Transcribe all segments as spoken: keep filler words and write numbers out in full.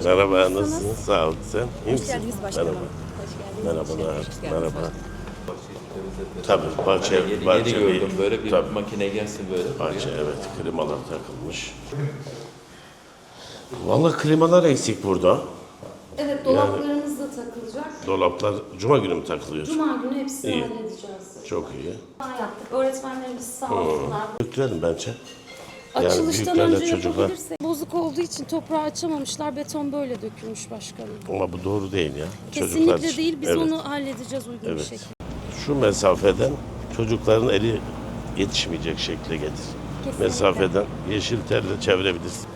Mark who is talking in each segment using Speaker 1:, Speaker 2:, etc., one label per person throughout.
Speaker 1: başkanım.
Speaker 2: Merhaba,
Speaker 1: Nasılsınız?
Speaker 2: nasılsın? Sağ ol. Sen iyi
Speaker 1: Hoş
Speaker 2: misin?
Speaker 1: geldiniz başkanım.
Speaker 2: Merhaba.
Speaker 1: Hoş geldiniz.
Speaker 2: Merhabalar.
Speaker 1: Hoş geldiniz
Speaker 2: Merhaba.
Speaker 1: başkanım.
Speaker 2: Tabii bahçe,
Speaker 3: Yeni, yeni
Speaker 2: bahçe
Speaker 3: gördüm böyle bir
Speaker 2: tabii,
Speaker 3: makine gelsin böyle.
Speaker 2: bahçe evet, klimalar takılmış. Vallahi klimalar eksik burada.
Speaker 1: Evet, dolaplarımız da takılacak.
Speaker 2: Dolaplar cuma günü mü takılıyor?
Speaker 1: Cuma günü hepsini
Speaker 2: İyi.
Speaker 1: halledeceğiz.
Speaker 2: Çok iyi.
Speaker 1: Yaptık. Öğretmenlerimiz sağ olsunlar.
Speaker 2: Yüklerim bence. Yani
Speaker 1: Açılıştan
Speaker 2: büyüklerle
Speaker 1: önce
Speaker 2: çocuklar.
Speaker 1: yapabilirsek. Bozuk olduğu için toprağı açamamışlar. Beton böyle dökülmüş başkanım.
Speaker 2: Ama bu doğru değil ya.
Speaker 1: Kesinlikle
Speaker 2: Çocuklar için.
Speaker 1: değil. Biz
Speaker 2: Evet.
Speaker 1: onu halledeceğiz uygun bir
Speaker 2: Evet.
Speaker 1: şekilde.
Speaker 2: Şu mesafeden çocukların eli yetişmeyecek şekle getir.
Speaker 1: Kesinlikle.
Speaker 2: Mesafeden yeşil telle çevirebilirsin.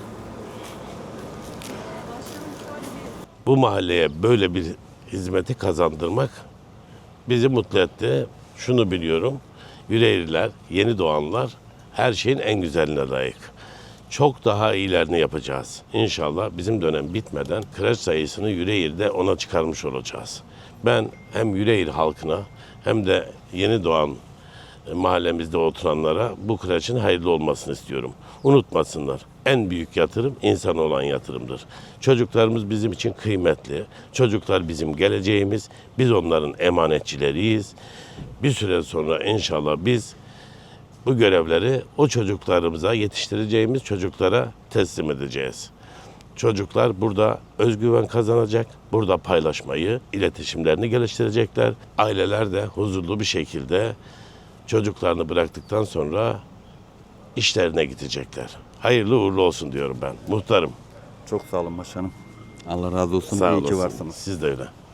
Speaker 2: Bu mahalleye böyle bir hizmeti kazandırmak bizi mutlu etti. Şunu biliyorum, Yüreğirliler, yeni doğanlar her şeyin en güzeline layık. Çok daha iyilerini yapacağız. İnşallah bizim dönem bitmeden kreş sayısını Yüreğir'de ona çıkarmış olacağız. Ben hem Yüreğir halkına hem de yeni doğan mahallemizde oturanlara bu kreşin hayırlı olmasını istiyorum. Unutmasınlar. En büyük yatırım insan olan yatırımdır. Çocuklarımız bizim için kıymetli. Çocuklar bizim geleceğimiz. Biz onların emanetçileriyiz. Bir süre sonra inşallah biz bu görevleri o çocuklarımıza, yetiştireceğimiz çocuklara teslim edeceğiz. Çocuklar burada özgüven kazanacak, burada paylaşmayı, iletişimlerini geliştirecekler. Aileler de huzurlu bir şekilde çocuklarını bıraktıktan sonra işlerine gidecekler. Hayırlı uğurlu olsun diyorum ben. Muhtarım.
Speaker 4: Çok sağ olun başkanım. Allah razı olsun.
Speaker 2: Sağ
Speaker 4: İyi ki
Speaker 2: olasın.
Speaker 4: varsınız.
Speaker 2: Siz de öyle.